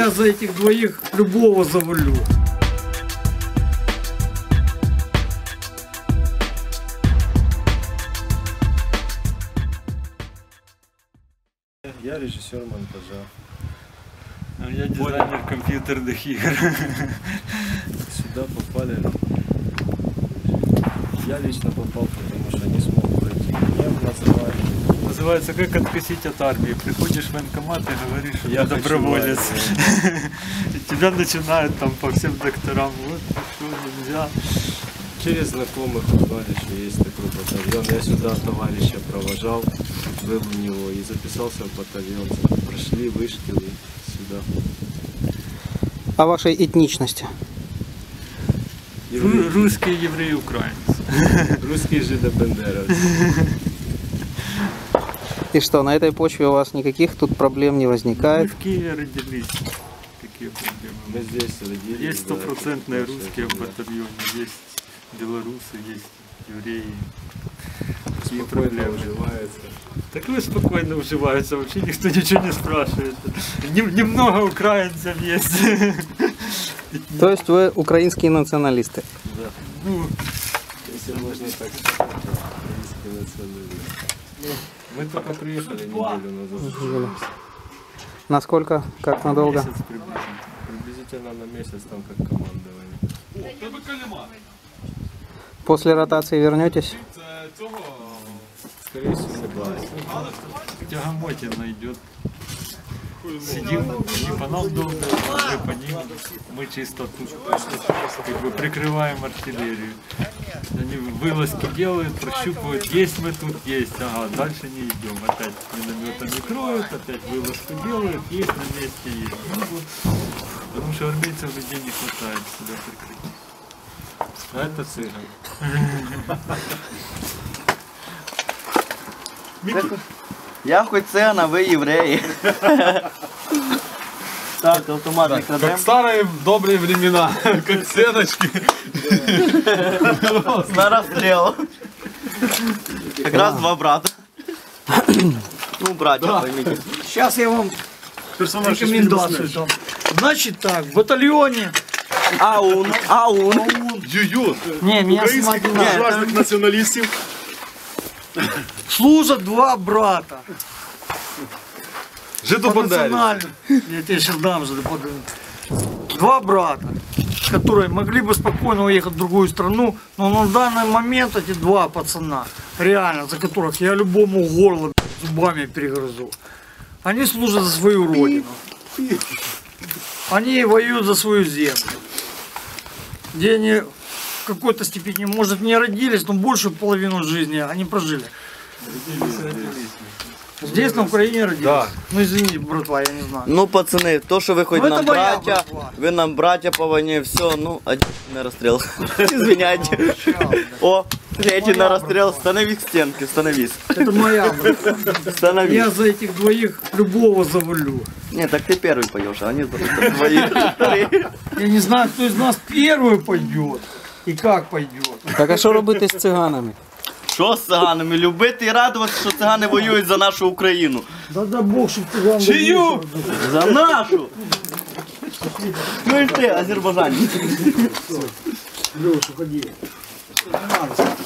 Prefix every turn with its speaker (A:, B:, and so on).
A: Я за этих двоих любого завалю.
B: Я режиссер монтажа.
C: А я дизайнер компьютерных игр.
B: Сюда попали. Я лично попал, потому что не смог пройти. Меня называли.
C: Называется «Как откосить от армии». Приходишь в военкомат и говоришь, что
B: Я
C: ты доброволец. И тебя начинают там по всем докторам. Вот, что нельзя.
B: Через знакомых узнали, что есть такой батальон. Я сюда товарища провожал, был у него и записался в батальон. Прошли, вышки и сюда.
D: О вашей этничности.
C: Русские, евреи, украинцы.
B: Русские жидобендеровцы.
D: И что, на этой почве у вас никаких тут проблем не
C: Мы
D: возникает?
C: в Киеве родились. Какие проблемы?
B: Мы здесь родились.
C: Есть стопроцентные
B: да,
C: русские в батальоне, есть белорусы, есть евреи.
B: Спокойно уживаются.
C: Так вы спокойно уживаются, вообще никто ничего не спрашивает. Немного украинцев есть.
D: То есть вы украинские националисты?
C: Да. Ну,
B: Если можно так сказать, украинские националисты. Мы только приехали неделю назад.
D: Насколько? Как надолго?
C: месяц приблизительно.
B: Приблизительно на месяц там как командование.
D: После ротации вернетесь?
B: Скорее всего, да.
C: Тягомотина идет. Сидим, не по нам долго, мы по ним. Мы чисто тут как бы прикрываем артиллерию. Они вылазки делают, прощупывают, есть мы тут, есть. Ага, дальше не идем. Опять минометами кроют, опять вылазку делают, есть на месте, есть. Ну, вот. Потому что армейцев людей не хватает сюда прикрыть.
B: А это цыган.
E: Я хоть циган, а ви євреї. Так, автоматик
F: Как
E: крадем.
F: старые добрые времена, как стеночки.
E: На расстрел. Как раз два брата. Ну, братья, поймите.
A: Сейчас я вам рекомендацию дам. Значит так, в батальоне.
E: Аун.
F: Ю-ю.
A: Не, меня снимать не надо.
F: Буржуазных националистов.
A: Служат два брата.
F: Жидобандеры.
A: Национально. Я тебе сейчас дам же. Два брата, которые могли бы спокойно уехать в другую страну, но на данный момент эти два пацана, реально, за которых я любому горло зубами перегрызу, они служат за свою родину. Они воюют за свою землю, где они в какой-то степени, может, не родились, но большую половину жизни они прожили. Здесь, на Украине родились.
F: Да.
A: Ну извини, братва, я не знаю.
E: Ну, пацаны, то, что вы хоть
A: Ну, это
E: нам
A: моя
E: братья,
A: братва.
E: вы нам братья по войне, все, ну, один на расстрел. Извиняйте. О, третий на расстрел, становись к стенке, становись.
A: Это моя братва.
E: Становись.
A: Я за этих двоих любого завалю.
E: Нет, так ты первый поешь, а они твои.
A: Я не знаю, кто из нас первый пойдет и как пойдет.
D: Так а що робити з циганами?
E: Що з циганами? Любити і радуватися, що цигани воюють за нашу Україну.
A: Да Бог, чтобы ты вам...
F: Чию?
E: За нашу! Ну і ти, азербайджанець.
A: Леша, ходи.